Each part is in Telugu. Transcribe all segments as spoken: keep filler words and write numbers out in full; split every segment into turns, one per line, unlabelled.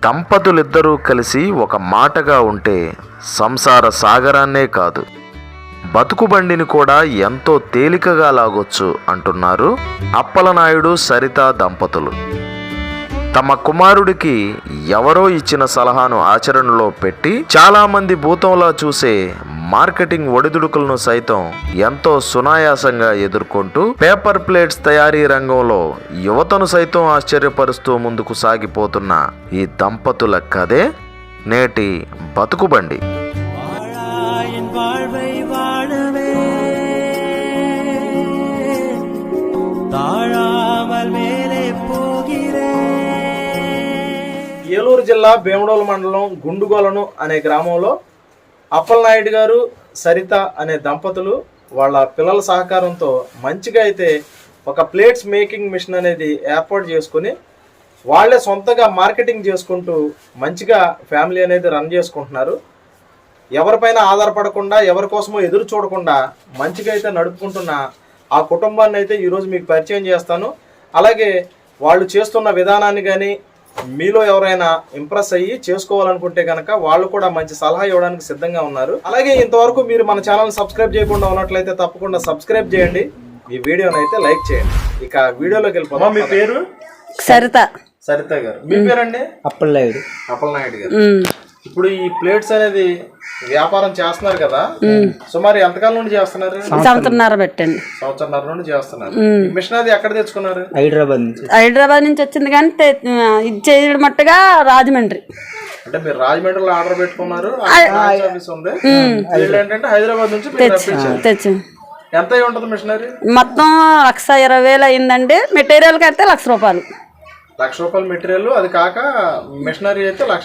దంపతులిద్దరూ కలిసి ఒక మాటగా ఉంటే సంసార సాగరాన్నే కాదు బతుకుబండిని కూడా ఎంతో తేలికగా లాగొచ్చు అంటున్నారు అప్పలనాయుడు సరిత దంపతులు. తమ కుమారుడికి ఎవరో ఇచ్చిన సలహాను ఆచరణలో పెట్టి చాలామంది భూతంలా చూసే మార్కెటింగ్ ఒడిదుడుకులను సైతం ఎంతో సునాయాసంగా ఎదుర్కొంటూ పేపర్ ప్లేట్స్ తయారీ రంగంలో యువతను సైతం ఆశ్చర్యపరుస్తూ ముందుకు సాగిపోతున్న ఈ దంపతుల కథే నేటి బతుకుబండి.
ఏలూరు జిల్లా భీమడోలు మండలం గుండుగోలను అనే గ్రామంలో అప్పలనాయుడు గారు సరిత అనే దంపతులు వాళ్ళ పిల్లల సహకారంతో మంచిగా అయితే ఒక ప్లేట్స్ మేకింగ్ మిషన్ అనేది ఏర్పాటు చేసుకుని వాళ్ళే సొంతగా మార్కెటింగ్ చేసుకుంటూ మంచిగా ఫ్యామిలీ అనేది రన్ చేసుకుంటున్నారు. ఎవరిపైన ఆధారపడకుండా ఎవరి కోసమో ఎదురు చూడకుండా మంచిగా అయితే నడుపుకుంటున్న ఆ కుటుంబాన్ని అయితే ఈరోజు మీకు పరిచయం చేస్తాను. అలాగే వాళ్ళు చేస్తున్న విధానాన్ని కానీ మీలో ఎవరైనా ఇంప్రెస్ అయ్యి చేసుకోవాలనుకుంటే కనుక వాళ్ళు కూడా మంచి సలహా ఇవ్వడానికి సిద్ధంగా ఉన్నారు. అలాగే ఇంతవరకు మీరు మన ఛానల్ సబ్స్క్రైబ్ చేయకుండా ఉన్నట్లయితే తప్పకుండా సబ్స్క్రైబ్ చేయండి, ఈ వీడియోని అయితే లైక్ చేయండి. ఇక వీడియోలోకి వెళ్ళిపోతాం. మీ పేరు?
సరిత.
సరిత గారు. మీ పేరండి?
అప్పలనాయుడు.
అప్పలనాయుడు గారు. ఇప్పుడు ఈ ప్లేట్స్ అనేది వ్యాపారం చేస్తున్నారు కదా, సుమారు ఎంతకాలం నుండి చేస్తున్నారు?
సంవత్సరంన్నర పెట్టండి.
సంవత్సరంన్నర నుండి చేస్తున్నారు. మిషన్ అది ఎక్కడ తెచ్చుకున్నారు?
హైదరాబాద్ నుంచి. హైదరాబాద్ నుంచి వచ్చింది కానీ ఇది చేయడం మట్టుగా రాజమండ్రి.
అంటే మీరు రాజమండ్రిలో ఆర్డర్ పెట్టుకున్నారు, ఆఫీస్ ఉంది. ఏంటంటే హైదరాబాద్ నుంచి
తెచ్చాం.
ఎంత అయి ఉంటుంది మిషనరీ?
మొత్తం లక్ష ఇరవై వేలు అయిందండి. మెటీరియల్ అయితే లక్ష రూపాయలు.
లక్ష రూపాయలు మెటీరియల్, అది కాక మిషనరీ అయితే లక్ష,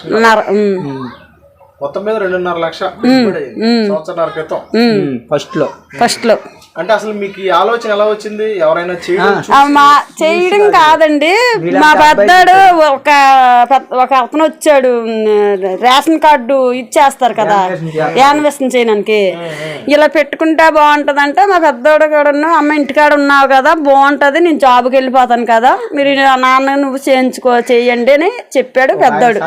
మొత్తం మీద రెండున్నర లక్ష సంవత్సరాల క్రితం
ఫస్ట్ లో ఫస్ట్ లో
అంటే అసలు మీకు ఈ ఆలోచన ఎలా వచ్చింది? ఎవరైనా
చేయడం కాదండి, మా పెద్దాడు ఒక ఒక అతను వచ్చాడు, రేషన్ కార్డు ఇచ్చేస్తారు కదా యాన్వేషన్ చేయడానికి, ఇలా పెట్టుకుంటే బాగుంటది అంటే మా పెద్దోడు కూడా అమ్మ ఇంటికాడ ఉన్నావు కదా బాగుంటది, నేను జాబ్కి వెళ్ళిపోతాను కదా, మీరు నాన్న నువ్వు చేయించుకో చెయ్యండి అని చెప్పాడు పెద్దోడు.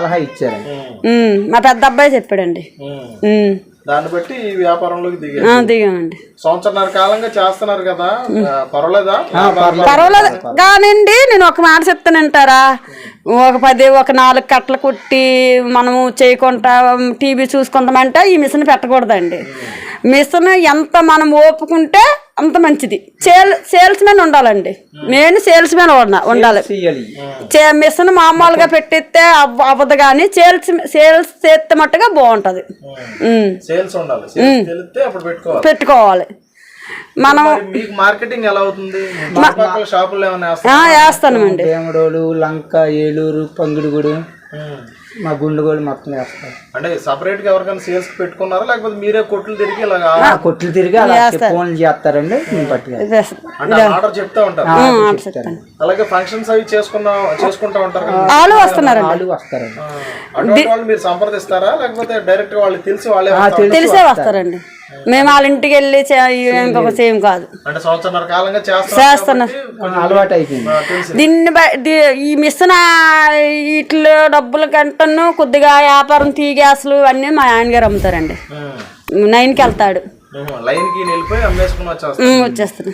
మా పెద్ద అబ్బాయి చెప్పాడండి.
దాన్ని బట్టి ఈ వ్యాపారంలోకి
దిగామండి.
సంవత్సరాల కాలంగా చేస్తున్నారు కదా, పర్వాలేదా?
పర్వాలేదు కానండి, నేను ఒక మాట చెప్తానంటారా, ఒక పది ఒక నాలుగు కట్టలు కుట్టి మనము చేయకుండా టీవీ చూసుకుందామంటే ఈ మిషన్ పెట్టకూడదండి. మిషన్ ఎంత మనం ఓపుకుంటే అంత మంచిది. సేల్ సేల్స్ మ్యాన్ ఉండాలండి, మెయిన్ సేల్స్ మ్యాన్ ఉండాలి. మిషన్ మామూలుగా పెట్టిస్తే అవ్వదు కానీ సేల్స్ సేల్స్ చేస్తే మట్టుగా బాగుంటది. పెట్టుకోవాలి. మనం
మార్కెటింగ్ ఎలా అవుతుంది?
వేస్తామండి.
భీమడోలు, లంక, ఏలూరు, పంగిడిగూడు, మా గుండుగోలు మొత్తం వేస్తాం.
అంటే సపరేట్ గా ఎవరికైనా సేల్స్ పెట్టుకున్నారా లేకపోతే మీరే కొట్లు తిరిగి ఇలా
కొట్లు తిరిగి ఫోన్లు చేస్తారండి,
ఆర్డర్ చెప్తా ఉంటారు. అలాగే ఫంక్షన్స్ అవి చేసుకున్నా చేసుకుంటా ఉంటారు.
వాళ్ళు వస్తున్నారు,
వాళ్ళు వస్తారండి.
అటువంటి వాళ్ళు మీరు సంప్రదిస్తారా లేకపోతే డైరెక్ట్ గా వాళ్ళు తెలిసి వాళ్ళే
తెలిసే వస్తారండి? మేము వాళ్ళ ఇంటికి వెళ్ళి ఇంకొక సేమ్ కాదు, చేస్తున్నాం.
అలవాటు అయిపోయింది.
దీన్ని ఈ మిషన్ వీటిలో డబ్బుల కంటను కొద్దిగా వ్యాపారం టీ గ్యాసులు అన్నీ మా ఆయన గారు అమ్ముతారండి. నైన్కి వెళ్తాడు, వచ్చేస్తాను.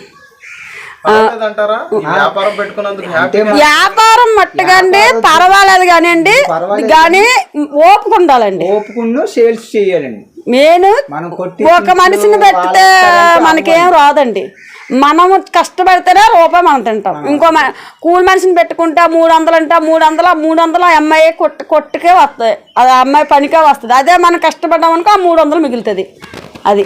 వ్యాపారం మట్టుకండి పర్వాలేదు కానీ అండి, కానీ ఓపుకుండాలండి.
ఓపుకున్న సేల్స్ చేయాలండి.
మెయిన్ ఒక మనిషిని పెడితే మనకేం రాదండి, మనము కష్టపడితేనే రూపాయి మనం తింటాం. ఇంకో కూలి మనిషిని పెట్టుకుంటే మూడు వందలు అంటే మూడు వందల మూడు వందలు అమ్మాయి కొట్టు కొట్టుకే వస్తాయి, అది అమ్మాయి పనికే వస్తుంది. అదే మనం కష్టపడ్డామనుకో ఆ మూడు వందలు మిగులుతుంది. అది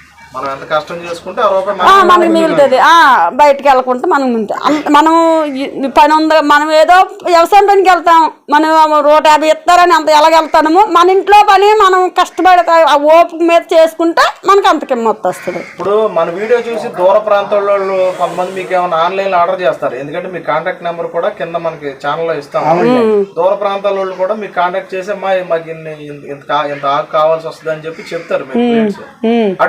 మనకి మిగులుతుంది. బయటకు వెళ్ళకుంటే మనం మనం పని ఉంది, మనం ఏదో వ్యవసాయం పనికి వెళ్తాం, మనం నూట యాభై ఇస్తారని అంత ఎలాగెళ్తాము. మన ఇంట్లో పని మనం కష్టపడతా ఆ ఓపిక మీద చేసుకుంటే మనకి అంత కిమ్మత్ వస్తుంది.
ఇప్పుడు మన వీడియో చూసి దూర ప్రాంతాల వాళ్ళు కొంతమంది మీకు ఏమైనా ఆన్లైన్ లో ఆర్డర్ చేస్తారు, ఎందుకంటే మీ కాంటాక్ట్ నెంబర్ కూడా కింద మనకి ఛానల్లో ఇస్తాం. దూర ప్రాంతాల వాళ్ళు కూడా మీకు కాంటాక్ట్ చేసి అమ్మా మాకు ఇంత ఇంత ఆకు కావాల్సి వస్తుంది అని చెప్పి చెప్తారు. అటువంటి వాళ్ళకి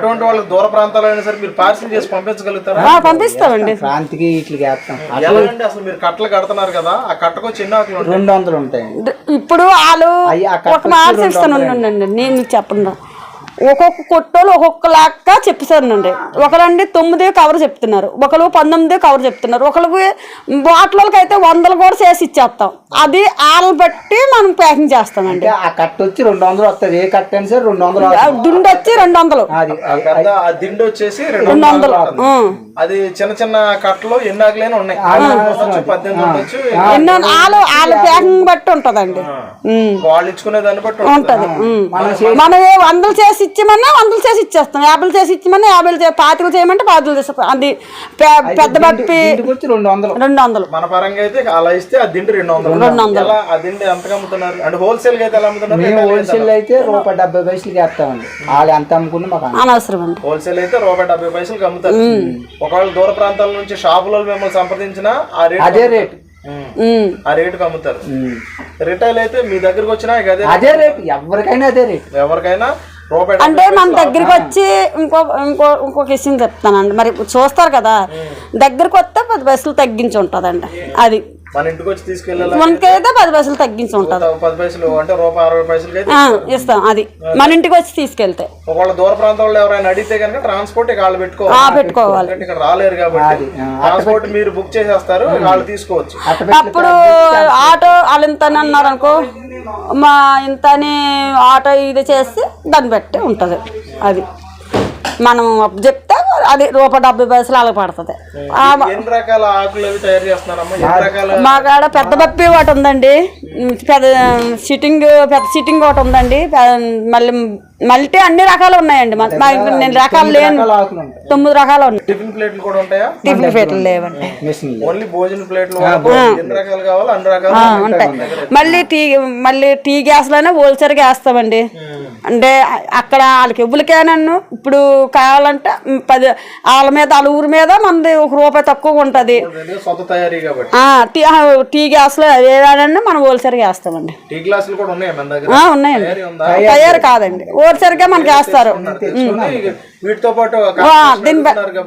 దూర ప్రాంతాలు అయినా సరే మీరు పార్సిల్ చేసి పంపించగలుగుతారా?
ఆ, పంపిస్తామండి.
క్రాంతికి ఇట్లకి వేస్తాం.
ఎలాగండి అసలు మీరు కట్టలు కడుతున్నారు కదా, ఆ కట్టకు చిన్న ఆకులు ఉంటాయి.
రెండు వందలు ఉంటాయండి.
ద- ఇప్పుడు వాళ్ళు
అయ్యి ఆ కట్ట
ఒక మాట చెప్తాను ఉండండి, నేను మీకు చెప్పండి. ఒక్కొక్క కొట్టోళ్ళు ఒక్కొక్క లాగా చెప్తానండి. ఒకరండి తొమ్మిది కవర్ చెప్తున్నారు, ఒకరు పంతొమ్మిది కవర్ చెప్తున్నారు, ఒకరికి బాటిల్కి అయితే వందలు కూడా చేసి ఇచ్చేస్తాం. అది ఆలు బట్టి మనం ప్యాకింగ్ చేస్తామండి.
అంటే ఆ కట్ట వచ్చి రెండు వందలు వస్తుంది. ఏ కట్ట అయినా సరే రెండు వందలు
ఆ దుండి వచ్చి రెండు వందలు
అది
ఆ పెద్ద ఆ దిండు వచ్చేసి రెండు
రెండు
వందలు
వందలు
ఉంటుంది.
ఉం.
అది చిన్న చిన్న కట్టలు ఎన్ని ఆకులైనా ఉన్నాయి, ఉండొచ్చు, పద్దెనిమిది ఉండొచ్చు.
ఎన్నో ఆలు ఆలు ప్యాకింగ్ బట్టి ఉంటదండి. ఉం.
వాళ్ళు ఇచ్చుకునే దాన్ని బట్టి
ఉంటది. ఉం. మనం ఏ వందలు చేసి ఇచ్చామన్నా వందలు చేసి ఇచ్చేస్తాం, యాభైలు చేసి ఇచ్చామన్నా యాభైలు చే పాతికలు చేయమంటే పాతికలు చేస్తాం. అది పె- పెద్ద బప్పి
ఇంటికి వచ్చి రెండు వందలు
రెండు వందలు
మన పరంగా అయితే అలా ఇస్తే ఆ దిండు రెండు వందలు.
రెండు వందలు.
ఎలా ఆ దిండు ఎంతగా అమ్ముతున్నారు అంటే హోల్సేల్ గా అయితే ఎలా అమ్ముతున్నారు?
మేము హోల్సేల్ అయితే రూపాయి డెబ్బై పైసలకి వేస్తామండి. వాళ్ళు ఎంత అమ్ముకున్నా మాకు అంత.
అనవసరం అండి.
హోల్సేల్ అయితే రూపాయి డెబ్బై పైసలకి అమ్ముతారు. ఒకవేళ దూర ప్రాంతాల నుంచి షాపులో మిమ్మల్ని సంప్రదించినా ఆ రేట్
అదే రేటు.
ఉం.
ఆ రేటుకి అమ్ముతారు. రిటైల్ అయితే మీ దగ్గరకు వచ్చినా ఇక అదే
అదే రేటు, ఎవరికైనా అదే రేటు.
ఎవరికైనా రూపాయి
అంటే మన దగ్గరికి వచ్చి ఇంకో ఇంకో ఇంకొక విషయం చెప్తానండి. మరి చూస్తారు కదా, దగ్గరికి వస్తే పది పైసలు తగ్గించి ఉంటుందండి. అది
మన ఇంటికి వచ్చి తీసుకెళ్ళాలి
మనకైతే పది పైసలు తగ్గించి ఉంటుంది.
పది పైసలు అంటే రూపాయి అరవై పైసలకి అయితే
ఆ, ఇస్తాం. అది మన ఇంటికి వచ్చి తీసుకెళ్తే
ఒకవేళ దూర ప్రాంతాల్లో ఎవరైనా అడిగితే కనుక ట్రాన్స్పోర్ట్ ఇక వాళ్ళు
ఆ,
పెట్టుకోవాలి.
పెట్టుకోవాలి.
ఎందుకంటే ఇక్కడ రాలేరు కాబట్టి ట్రాన్స్పోర్ట్ మీరు బుక్ చేసేస్తారు, వాళ్ళు తీసుకోవచ్చు.
అప్పుడు ఆటో వాళ్ళు ఇంత అని అన్నారు అనుకో, మా ఇంత అని ఆటో ఇది చేసి దాన్ని బట్టి ఉంటుంది. అది మనం చెప్తే అది రూపాయి డెబ్బై పైసలు అలాగ పడుతుంది.
ఎన్ని రకాల ఆకులు అవి తయారు చేస్తున్నారమ్మా? ఎన్ని రకాల
మా కాడ పెద్ద బప్పి ఒకటి ఉందండి, పెద్ద సిట్టింగ్ పెద్ద సిట్టింగ్ ఒకటి ఉందండి, మళ్ళీ మల్టీ అన్ని రకాలు ఉన్నాయండి. మా మా ఇంట్లో నేను రకాలు లేను,
ఆకులు ఉంటాయి.
తొమ్మిది రకాలు ఉన్నాయి.
టిఫిన్ ప్లేట్లు కూడా ఉంటాయా?
టిఫిన్ ప్లేట్లు లేవండి.
మిషన్
ఓన్లీ భోజన ప్లేట్లు ఎన్ని రకాలు కావాలో అన్ని రకాలు
ఉంటాయి. మళ్ళీ టీ మళ్ళీ టీ గ్యాస్లోనే హోల్సేల్గా వేస్తామండి. అంటే అక్కడ వాళ్ళకి ఎవ్వరికైనాను ఇప్పుడు కావాలంటే పది వాళ్ళ మీద వాళ్ళ ఊరి మీద మనది ఒక రూపాయి తక్కువ ఉంటుంది.
సొంత తయారీ కాబట్టి
టీ టీ గ్యాస్లో ఏదైనా మనం హోల్సేల్గా వేస్తామండి.
టీ గ్లాసులు కూడా ఉన్నాయా మన దగ్గర?
ఆ, ఉన్నాయండి. తయారు కాదండి, హోల్సేల్గా మనకి వేస్తారు.
వీటితో పాటు
దీని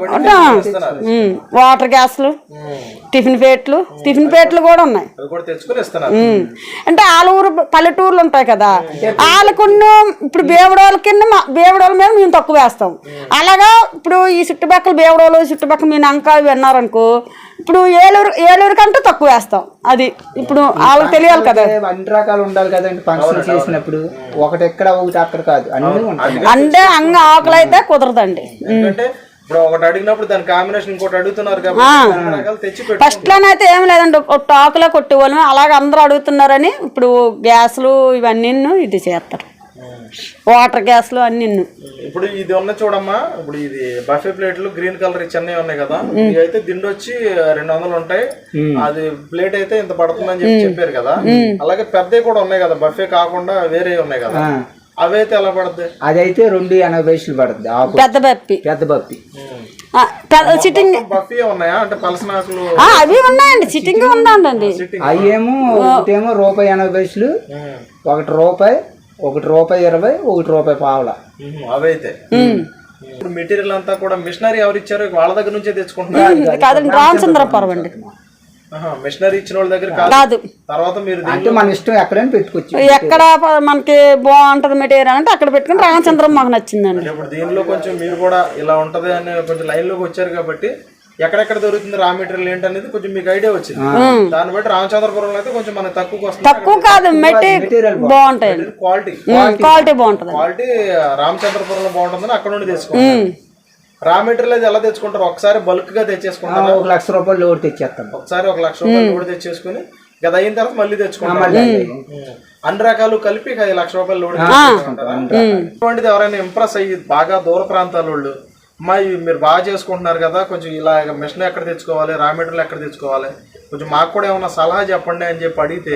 వాటర్ గ్యాస్లు, టిఫిన్ ప్లేట్లు టిఫిన్ ప్లేట్లు కూడా ఉన్నాయి.
అవి కూడా తెచ్చుకొని ఇస్తున్నారు.
అంటే వాళ్ళ ఊరు పల్లెటూర్లు ఉంటాయి కదా, వాళ్ళకున్న ఇప్పుడు బేవడోళ్ళ కింద బేవడోళ్ళ మీద మేము తక్కువ వేస్తాం. అలాగా ఇప్పుడు ఈ చుట్టుపక్కల బేవడోళ్ళు చుట్టుపక్కల మీ నంకా విన్నారనుకో, ఇప్పుడు ఏలూరు ఏలూరు కంటే తక్కువ వేస్తాం. అది ఇప్పుడు వాళ్ళకి తెలియాలి కదా,
అన్ని రకాలు ఉండాలి కదండి. ఫంక్షన్ చేసినప్పుడు ఒకటి ఎక్కడ ఒకటి అక్కడ కాదు, అన్ని ఉంటాయి.
అంటే అంగ ఆకులు అయితే కుదరదండి.
ఎందుకంటే ఇప్పుడు ఒకటి అడిగినప్పుడు దాని కాంబినేషన్ ఇంకోటి అడుగుతున్నారు కాబట్టి తెచ్చి పెట్టు.
ఫస్ట్ లోనైతే ఏం లేదండి, టాకులో కొట్టేవాళ్ళం. అలాగే అందరూ అడుగుతున్నారని ఇప్పుడు గ్యాస్లు ఇవన్నీ ఇది చేస్తారు, వాటర్ గ్యాస్లు అన్ని.
ఇప్పుడు ఇది ఉన్న చూడమ్మా, ఇప్పుడు ఇది బఫే ప్లేట్లు గ్రీన్ కలర్ చెన్నై ఉన్నాయి కదా, ఇవి అయితే దిండు వచ్చి రెండు వందలు ఉంటాయి. అది ప్లేట్ అయితే ఇంత పడుతుందని చెప్పి చెప్పారు కదా. అలాగే పెద్దవి కూడా ఉన్నాయి కదా, బఫే కాకుండా వేరే ఉన్నాయి కదా, అవైతే ఎలా పడుతుంది?
అదైతే రెండు ఎనభై పైసలు పడుతుంది. ఆకు
పెద్ద బప్పి
పెద్ద బప్పి
సిట్టింగ్
బఫీ ఉన్నాయా అంటే పలసనాకులు?
అవి ఉన్నాయండి, సిట్టింగ్ ఉందండి.
అవి ఏమో ఒకటేమో రూపాయి ఎనభై పైసలు, ఒకటి రూపాయి, ఒకటి రూపాయి ఇరవై, ఒకటి రూపాయి పావుల.
అవైతే ఇప్పుడు మెటీరియల్ అంతా కూడా మిషనరీ ఎవరు ఇచ్చారు? వాళ్ళ దగ్గర నుంచే తెచ్చుకుంటున్నారు
కాదండి, రామచంద్రపురం అండి.
మిషనరీ ఇచ్చిన వాళ్ళ దగ్గర
కాదు,
తర్వాత మీరు
అంటే మన ఇష్టం ఎక్కడైనా పెట్టుకోవచ్చు.
ఎక్కడ మనకి బాగుంటది మెటీరియల్ అంటే అక్కడ పెట్టుకుని రామచంద్రం మాకు నచ్చిందండి.
ఇప్పుడు దీనిలో కొంచెం మీరు కూడా ఇలా ఉంటది అని కొంచెం లైన్ లోకి వచ్చారు కాబట్టి ఎక్కడెక్కడ దొరుకుతుంది రా మెటీరియల్ ఏంటనేది కొంచెం మీకు ఐడియా వచ్చింది. దాన్ని బట్టి రామచంద్రపురంలో అయితే కొంచెం మనకు తక్కువ వస్తుంది.
తక్కువ కాదు, మెటీరియల్ బాగుంటాయి,
క్వాలిటీ
క్వాలిటీ బాగుంటది.
క్వాలిటీ రామచంద్రపురంలో బాగుంటుందని అక్కడ నుండి తెచ్చుకుంటారు. రా మెటీరియల్ అయితే ఎలా తెచ్చుకుంటారు? ఒకసారి బల్క్ గా తెచ్చేసుకుంటారు,
ఒక లక్ష రూపాయలు లోడ్ తెచ్చేస్తాం.
ఒకసారి ఒక లక్ష రూపాయలు లోడ్ తెచ్చేసుకుని గది అయిన తర్వాత మళ్ళీ తెచ్చుకుంటారు. అన్ని రకాలు కలిపి ఐదు లక్ష రూపాయలు లోడ్ తెచ్చుకుంటారు. ఇటువంటిది ఎవరైనా ఇంప్రెస్ అయ్యి బాగా దూర ప్రాంతాల వాళ్ళు, అమ్మా మీరు బాగా చేసుకుంటున్నారు కదా, కొంచెం ఇలా మిషన్ ఎక్కడ తెచ్చుకోవాలి, రా మెటీరియల్ ఎక్కడ తెచ్చుకోవాలి, కొంచెం మాకు కూడా ఏమన్నా సలహా చెప్పండి అని చెప్పి అడిగితే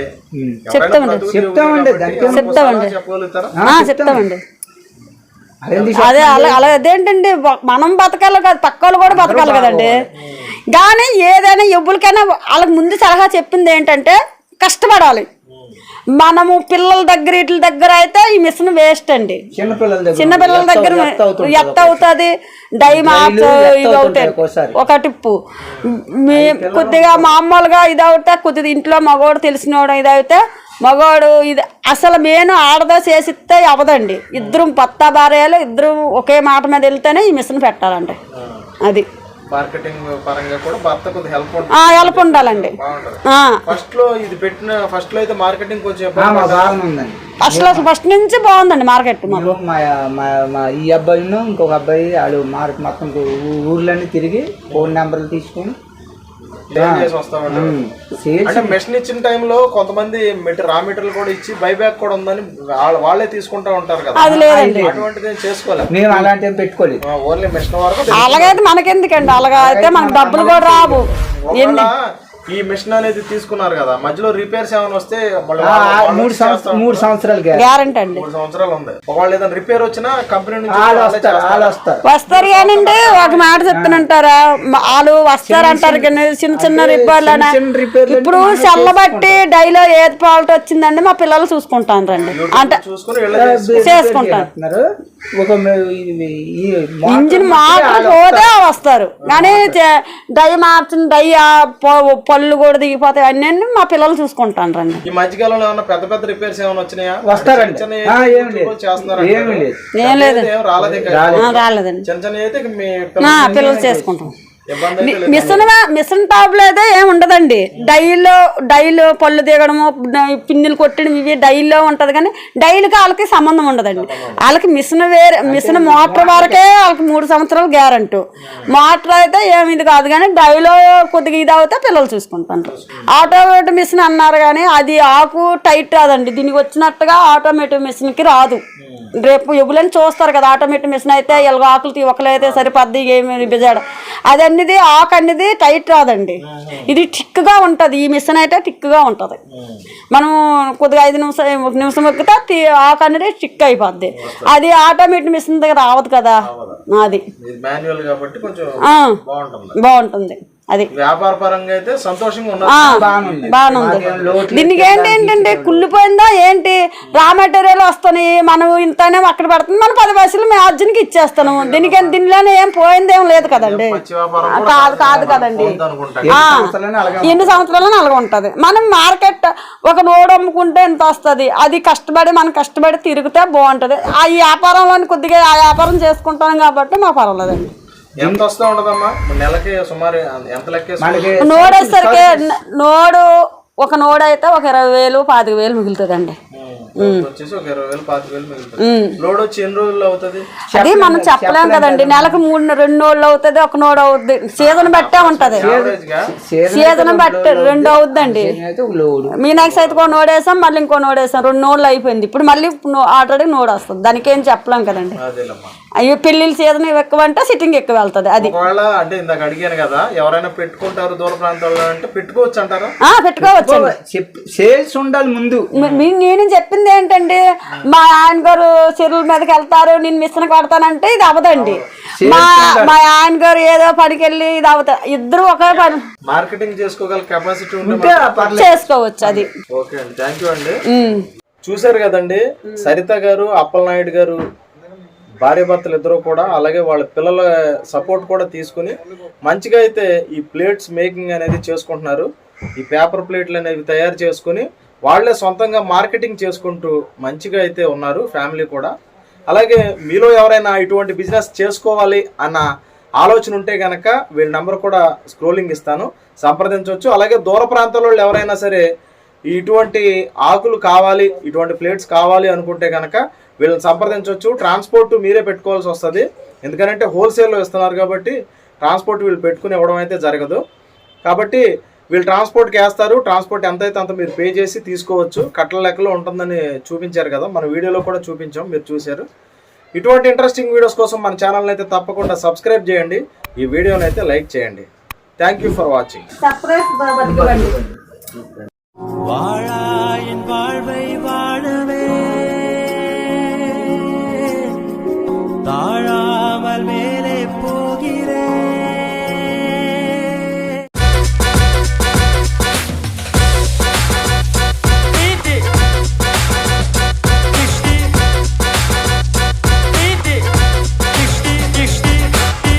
చెప్పగలుగుతారా?
చెప్తామండి. అదే అలా అలా అదేంటండి, మనం బతకాలి కాదు, పక్క వాళ్ళు కూడా బతకాలి కదండి. కానీ ఏదైనా ఎవ్వరికైనా వాళ్ళకి ముందు సలహా చెప్పింది ఏంటంటే కష్టపడాలి. మనము పిల్లల దగ్గర వీటి దగ్గర అయితే ఈ మిషన్ వేస్ట్ అండి.
చిన్నపిల్లల దగ్గర
చిన్నపిల్లల దగ్గర ఎత్త అవుతుంది, డై మార్చ్ ఇవి అవుతాయి ఒక టిప్పు. మీ కొద్దిగా మామూలుగా ఇది అవుతా కొద్దిగా ఇంట్లో మగవాడు తెలిసినవాడు ఇది అయితే మగవాడు ఇది అసలు మెయిన్ ఆడదా చేసిస్తే అవదండి. ఇద్దరు భర్త భార్యలు ఇద్దరు ఒకే మాట మీద వెళ్తేనే ఈ మిషన్ పెట్టాలండి. అది
మార్కెటింగ్ పరంగా కూడా భర్త కొద్దిగా హెల్ప్
హెల్ప్ ఉండాలండి.
ఫస్ట్ లో ఇది పెట్టిన ఫస్ట్ లో అయితే మార్కెటింగ్ కొంచెం
బాగుందండి.
ఫస్ట్ లో ఫస్ట్ నుంచి బాగుందండి మార్కెట్.
మా ఈ అబ్బాయి ఇంకొక అబ్బాయి వాళ్ళు మార్కెట్ మొత్తం ఊర్లన్నీ తిరిగి ఫోన్ నెంబర్లు తీసుకొని
అంటే మెషిన్ ఇచ్చిన టైంలో కొంతమంది రా మెటీరియల్ కూడా ఇచ్చి బైబ్యాక్ కూడా ఉందని వాళ్ళే తీసుకుంటా ఉంటారు కదా, అటువంటిది చేసుకోలేదు.
మేము అలాంటివి పెట్టుకోలేదు,
ఓన్లీ మెషిన్ వరకు.
అలాగైతే మనకెందుకండి, అలాగా అయితే మనకు డబ్బులు కూడా రావు.
ఈ మిషన్ అనేది తీసుకున్నారు కదా, మధ్యలో రిపేర్స్ ఏమైనా వస్తే
మూడు సంవత్సరాలు మూడు సంవత్సరాలు
గ్యారంటీ అండి.
మూడు సంవత్సరాలు ఉంది. ఒకవేళ ఏదైనా రిపేర్ వచ్చినా కంపెనీ నుంచి
వస్తారు కానండి. ఒక మాట చెప్తానంటారా, వాళ్ళు వస్తారంటారు కానీ చిన్న చిన్న రిపేర్లనా. ఇప్పుడు సెల్లబట్టి డైలో ఏది ఫాల్ట్ వచ్చిందండి మా పిల్లలు చూసుకుంటాను రండి అంటే చేసుకుంటాను. ఇంజిన్ మార్పు పోతే వస్తారు కానీ డై మార్చిన డై పళ్ళు కూడా దిగిపోతాయి అన్నీ మా పిల్లలు చూసుకుంటాను రండి.
ఈ మధ్యకాలంలో ఏమన్నా పెద్ద పెద్ద రిపేర్స్ ఏమైనా వచ్చినాయా?
వస్తారండి.
ఏం లేదండి, రాలేదండి.
చిన్న చిన్న అయితే మీ
పిల్లలు చేసుకుంటాం. మిషన్ మిషన్ టాప్ లో అయితే ఏమి ఉండదండి. డైలో డైలో పళ్ళు దిగడము పిన్నులు కొట్టడం ఇవి డైలో ఉంటది కానీ డైలకి వాళ్ళకి సంబంధం ఉండదండి. వాళ్ళకి మిషన్ వేరే మిషన్ మోటార్ వరకే వాళ్ళకి మూడు సంవత్సరాలు గ్యారంటీ. మోటార్ అయితే ఏమి ఇది కాదు కానీ డైలో కొద్దిగా ఇది అవుతే పిల్లలు చూసుకుంటారు. ఆటోమేటిక్ మిషన్ అన్నారు కానీ అది ఆకు టైట్ రాదండి, దీనికి వచ్చినట్టుగా ఆటోమేటిక్ మిషన్ కి రాదు. రేపు ఎగులని చూస్తారు కదా, ఆటోమేటిక్ మిషన్ అయితే ఎలాగో ఆకులు ఒకలైతే సరిపద్ది ఏమి బిజాడు అది అన్నిది ఆకు అన్నిది టైట్ రాదండి. ఇది టిక్గా ఉంటుంది. ఈ మిషన్ అయితే టిక్గా ఉంటుంది. మనం కొద్దిగా ఐదు నిమిషం ఒక నిమిషం ఎక్కితే ఆకు అనేది టిక్ అయిపోద్ది. అది ఆటోమేటిక్ మిషన్ దగ్గర రావద్దు కదా, అది బాగుంటుంది. అది
వ్యాపార పరంగా అయితే సంతోషంగా
బాగుంది. దీనికి ఏంటి ఏంటంటే కుళ్ళిపోయిందా ఏంటి రా మెటీరియల్ వస్తాయి, మనం ఇంతనే అక్కడ పెడుతుంది, మనం పది పైసలు మేము అర్జున్కి ఇచ్చేస్తాను. దీనికి దీనిలోనే ఏం పోయిందేం లేదు కదండి, కాదు కాదు కదండి. ఎన్ని సంవత్సరాలు అలాగ ఉంటది. మనం మార్కెట్ ఒక నోడు అమ్ముకుంటే ఎంత వస్తుంది, అది కష్టపడి మనం కష్టపడి తిరిగితే బాగుంటది. ఆ వ్యాపారంలో కొద్దిగా ఆ వ్యాపారం చేసుకుంటాం కాబట్టి మాకు పర్వాలేదండి.
ఎంత వస్తూ ఉండదమ్మా నెలకి సుమారు ఎంత లెక్క?
నోడు వేసరికి నోడు ఒక నోడు అయితే ఒక ఇరవై వేలు పాతిక వేలు మిగులుతుందండి. అది మనం చెప్పలేం కదండి. నెలకు మూడు రెండు నోళ్ళు అవుతుంది, ఒక నోడు అవుద్ది. సీజన్ బట్టే ఉంటది, సీజన్ బట్టి రెండు అవుద్దండి. మీనాక్షి అయితే ఒక నోడు వేసాం, మళ్ళీ ఇంకో నోడు వేసాం, రెండు నోళ్ళు అయిపోయింది. ఇప్పుడు మళ్ళీ ఆల్రెడీ నోడు వస్తుంది, దానికి ఏం చెప్పలేం కదండి. అయ్యో పెళ్లి సీజన్ ఎక్కువ అంటే సిట్టింగ్ ఎక్కువ వెళ్తుంది. అది
అంటే ఇందాక అడిగాను కదా, ఎవరైనా పెట్టుకుంటారు దూర ప్రాంతాల్లో అంటే పెట్టుకోవచ్చు అంటారా?
పెట్టుకోవచ్చు,
సేల్స్ ఉండాలి ముందు.
నేను చెప్పింది ఏంటంటే మా ఆయన గారు చెరువుల మీదకి వెళ్తారు, నేను మిషన్ కొడతానంటే ఇది అవదండి. మా మా ఆయన గారు ఏదో పనికి వెళ్ళి ఇది అవుతా, ఇద్దరు ఒకే పని
మార్కెటింగ్ చేసుకోగల కెపాసిటీ ఉంటే
చేసుకోవచ్చు. అది
ఓకే అండి, థ్యాంక్ యూ అండి. చూసారు కదండి, సరిత గారు అప్పలనాయుడు గారు భార్య భర్తలు ఇద్దరు కూడా, అలాగే వాళ్ళ పిల్లల సపోర్ట్ కూడా తీసుకుని మంచిగా అయితే ఈ ప్లేట్స్ మేకింగ్ అనేది చేసుకుంటున్నారు. ఈ పేపర్ ప్లేట్లు అనేవి తయారు చేసుకుని వాళ్ళే సొంతంగా మార్కెటింగ్ చేసుకుంటూ మంచిగా అయితే ఉన్నారు ఫ్యామిలీ కూడా. అలాగే మీలో ఎవరైనా ఇటువంటి బిజినెస్ చేసుకోవాలి అన్న ఆలోచన ఉంటే కనుక వీళ్ళ నెంబర్ కూడా స్క్రోలింగ్ ఇస్తాను, సంప్రదించవచ్చు. అలాగే దూర ప్రాంతాల వాళ్ళు ఎవరైనా సరే ఇటువంటి ఆకులు కావాలి, ఇటువంటి ప్లేట్స్ కావాలి అనుకుంటే కనుక వీళ్ళని సంప్రదించవచ్చు. ట్రాన్స్పోర్ట్ మీరే పెట్టుకోవాల్సి వస్తుంది, ఎందుకంటే హోల్సేల్లో ఇస్తున్నారు కాబట్టి ట్రాన్స్పోర్ట్ వీళ్ళు పెట్టుకుని ఇవ్వడం అయితే జరగదు. కాబట్టి వీళ్ళు ట్రాన్స్పోర్ట్కి వేస్తారు, ట్రాన్స్పోర్ట్ ఎంత అయితే అంత మీరు పే చేసి తీసుకోవచ్చు. కట్టల లెక్కలో ఉంటుందని చూపించారు కదా, మన వీడియోలో కూడా చూపించాం, మీరు చూశారు. ఇటువంటి ఇంట్రెస్టింగ్ వీడియోస్ కోసం మన ఛానల్ని అయితే తప్పకుండా సబ్స్క్రైబ్ చేయండి, ఈ వీడియోని అయితే లైక్ చేయండి. Thank you for watching.